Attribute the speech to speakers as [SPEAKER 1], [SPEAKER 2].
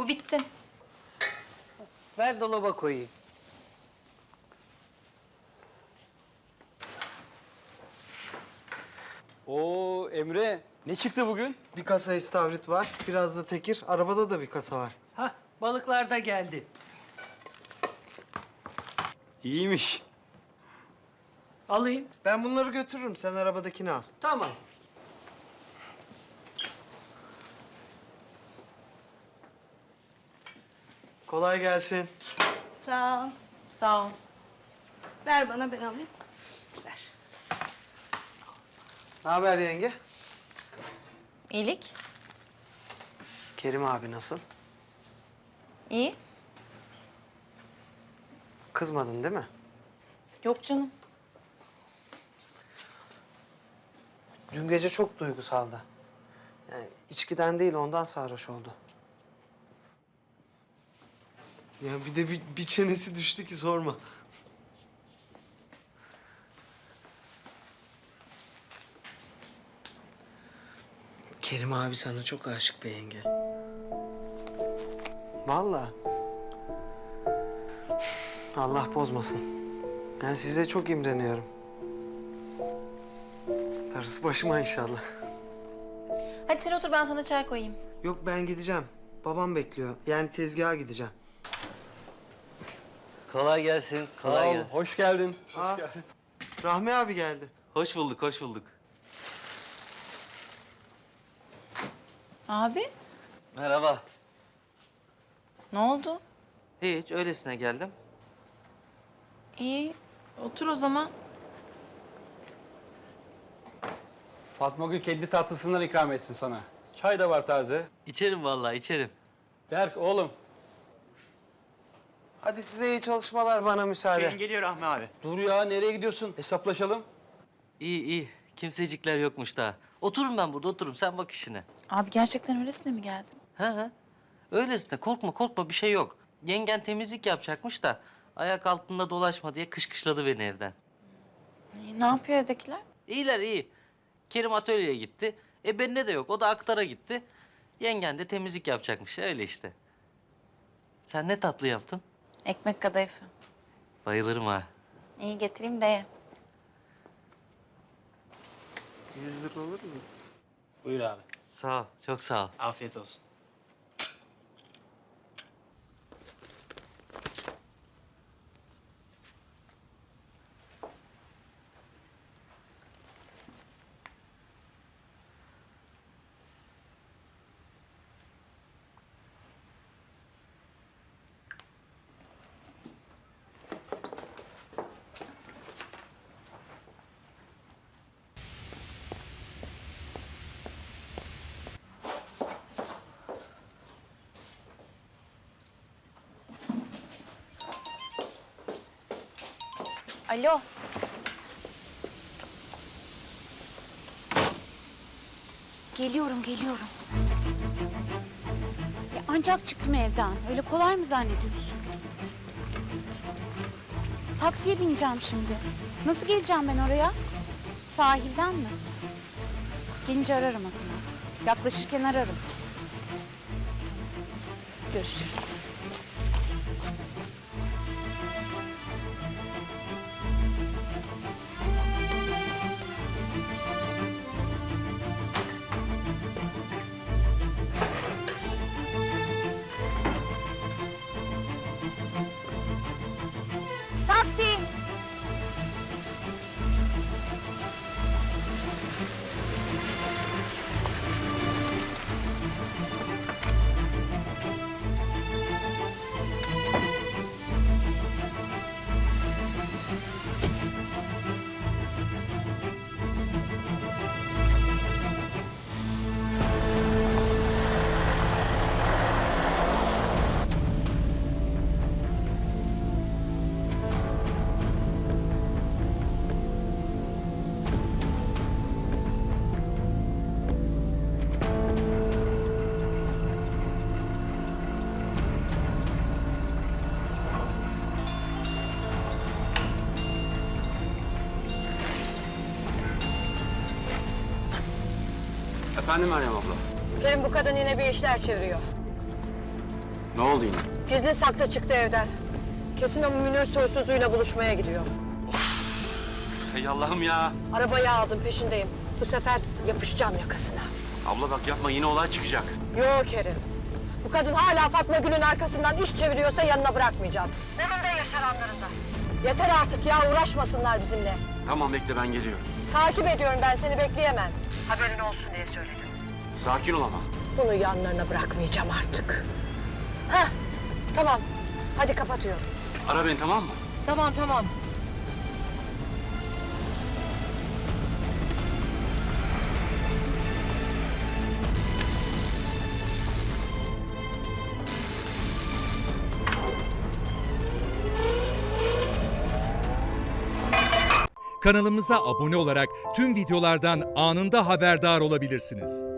[SPEAKER 1] Bu bitti.
[SPEAKER 2] Ver dolaba koyayım.
[SPEAKER 3] Oo Emre, ne çıktı bugün?
[SPEAKER 4] Bir kasa istavrit var, biraz da tekir. Arabada da bir kasa var.
[SPEAKER 2] Hah, balıklar da geldi.
[SPEAKER 3] İyiymiş.
[SPEAKER 2] Alayım.
[SPEAKER 4] Ben bunları götürürüm, sen arabadakini al.
[SPEAKER 2] Tamam.
[SPEAKER 4] Kolay gelsin.
[SPEAKER 5] Sağ ol.
[SPEAKER 1] Sağ ol.
[SPEAKER 5] Ver bana, ben alayım.
[SPEAKER 4] Ne haber yenge?
[SPEAKER 1] İyilik.
[SPEAKER 4] Kerim abi nasıl?
[SPEAKER 1] İyi.
[SPEAKER 4] Kızmadın değil mi?
[SPEAKER 1] Yok canım.
[SPEAKER 4] Dün gece çok duygusaldı. Yani içkiden değil, ondan sarhoş oldu. Ya bir de bir çenesi düştü ki sorma. Kerim abi sana çok aşık be yenge. Vallahi. Allah bozmasın. Yani size çok imreniyorum. Darısı başıma inşallah.
[SPEAKER 1] Hadi sen otur, ben sana çay koyayım.
[SPEAKER 4] Yok, ben gideceğim. Babam bekliyor. Yani tezgaha gideceğim.
[SPEAKER 6] Kolay gelsin.
[SPEAKER 3] Sağ
[SPEAKER 6] Kolay
[SPEAKER 3] ol,
[SPEAKER 6] gelsin.
[SPEAKER 3] hoş geldin.
[SPEAKER 4] Aa, Rahmi abi geldi.
[SPEAKER 6] Hoş bulduk, hoş bulduk.
[SPEAKER 1] Abi,
[SPEAKER 6] Merhaba.
[SPEAKER 1] ne oldu?
[SPEAKER 6] Hiç, öylesine geldim.
[SPEAKER 1] İyi, otur o zaman.
[SPEAKER 3] Fatma Gül kendi tatlısından ikram etsin sana. Çay da var taze.
[SPEAKER 6] İçerim vallahi, içerim.
[SPEAKER 3] Berk oğlum.
[SPEAKER 4] Hadi size iyi çalışmalar, bana müsaade.
[SPEAKER 7] Geliyor Rahmi abi.
[SPEAKER 3] Dur ya, nereye gidiyorsun? Hesaplaşalım.
[SPEAKER 6] İyi, iyi. Kimsecikler yokmuş daha. Otururum ben burada, otururum. Sen bak işine.
[SPEAKER 1] Abi gerçekten öylesine mi geldin?
[SPEAKER 6] Ha. Öylesine. Korkma, korkma. Bir şey yok. Yengen temizlik yapacakmış da ayak altında dolaşma diye kışkışladı beni evden.
[SPEAKER 1] Ne yapıyor evdekiler?
[SPEAKER 6] İyiler, iyi. Kerim atölyeye gitti. Benimle de yok. O da aktara gitti. Yengen de temizlik yapacakmış. Öyle işte. Sen ne tatlı yaptın?
[SPEAKER 1] Ekmek kadayıfı.
[SPEAKER 6] Bayılırım ha.
[SPEAKER 1] İyi, getireyim de ye.
[SPEAKER 4] 100 lira olur mu?
[SPEAKER 7] Buyur abi.
[SPEAKER 6] Sağ ol. Çok sağ ol.
[SPEAKER 7] Afiyet olsun.
[SPEAKER 1] Alo.
[SPEAKER 8] Geliyorum. Ya ancak çıktım evden. Öyle kolay mı zannediyorsun? Taksiye bineceğim şimdi. Nasıl geleceğim ben oraya? Sahilden mi? Gelince ararım o zaman. Yaklaşırken ararım. Görüşürüz. Taksi!
[SPEAKER 3] Efendim Meryem abla.
[SPEAKER 9] Kerim, bu kadın yine bir işler çeviriyor.
[SPEAKER 3] Ne oldu yine?
[SPEAKER 9] Gizli saklı çıktı evden. Kesin o Münir soysuzuyla buluşmaya gidiyor.
[SPEAKER 10] Ey Allah'ım ya.
[SPEAKER 9] Arabayı aldım, peşindeyim. Bu sefer yapışacağım yakasına.
[SPEAKER 10] Abla bak yapma, yine olay çıkacak.
[SPEAKER 9] Yok Kerim. Bu kadın hala Fatma Gül'ün arkasından iş çeviriyorsa yanına bırakmayacağım. Onun da yaşananlarında. Yeter artık ya, uğraşmasınlar bizimle.
[SPEAKER 10] Tamam bekle, ben geliyorum.
[SPEAKER 9] Takip ediyorum, ben seni bekleyemem. Haberin olsun diye söyledim.
[SPEAKER 10] Sakin ol ama.
[SPEAKER 9] Bunu yanlarına bırakmayacağım artık. Heh, tamam. Hadi kapatıyorum.
[SPEAKER 10] Ara beni, tamam mı?
[SPEAKER 9] Tamam, tamam.
[SPEAKER 11] Kanalımıza abone olarak tüm videolardan anında haberdar olabilirsiniz.